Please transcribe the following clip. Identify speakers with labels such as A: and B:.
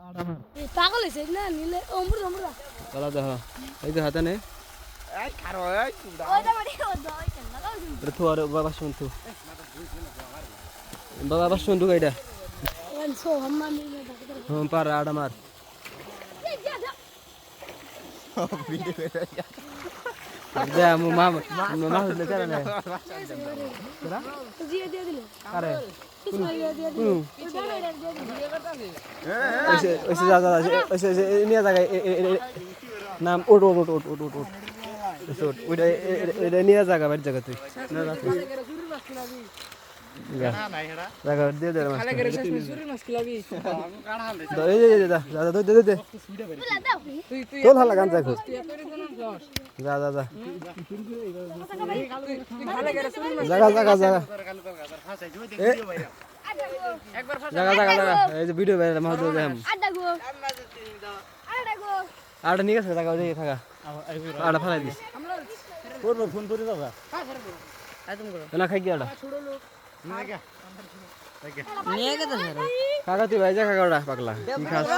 A: পাগল হইছে না নিলে অমৃত অমৃত
B: চলা দেখো এই যে হাতে নে
C: এই খারো এই কুড়া
A: ওইটা মানে ওইটা লাগাও
B: এটা তো আর বাবা শুনতো বাবা শুনতো এইটা
A: ওন সো হাম্মা মিলে ডাক্তার
B: হম পার আড়া মার দে মু মামা মামা হলে চলে না তোরা
A: জিয়ে দিয়ে দিলে
B: আরে
A: কিছু দিয়ে দিয়ে দিলে ওইটা দিয়ে দিলে
B: ওইসে ওইসে যা যা ওইসে নিয়ে জায়গা নাম ওট ওট ওট ওট ওট ওট ওট ওইটা এটা নিয়ে জায়গা বাড়ি জায়গা তুই না রাখ
C: না নাই হেডা
B: জায়গা দিয়ে দে মাছ
D: খালে করে শেষ সুরি মাছ খিলাবি
C: আমি কাড়া হাল
B: তো এই যে যা যা দে দে দে
A: বলা দাও
D: তুই তুই
B: তোল হালা গান দেখো
D: তুই এত রিজন লস
B: যা যা যা
D: তুই খালে করে সুরি মাছ
B: জায়গা জায়গা জায়গা
C: কাল তোর গাদার ফাঁসাই জুই দেখ ভিডিও বাইরা
D: একবার ফাঁস
B: জায়গা জায়গা জায়গা এই যে ভিডিও বাইরে মাছ ধরে দেখাম
A: আড্ডা গো আড্ডা গো
B: আড়া নিয়ে গেছে জায়গা ওই থাকা আড়া ফেলাই দিস
C: করব ফোন করে দাও
B: না খাই কি আড়া
C: না কে
D: নিয়ে গেছে
B: কাকা তুই ভাই যা কাকা পাগলা কি খাস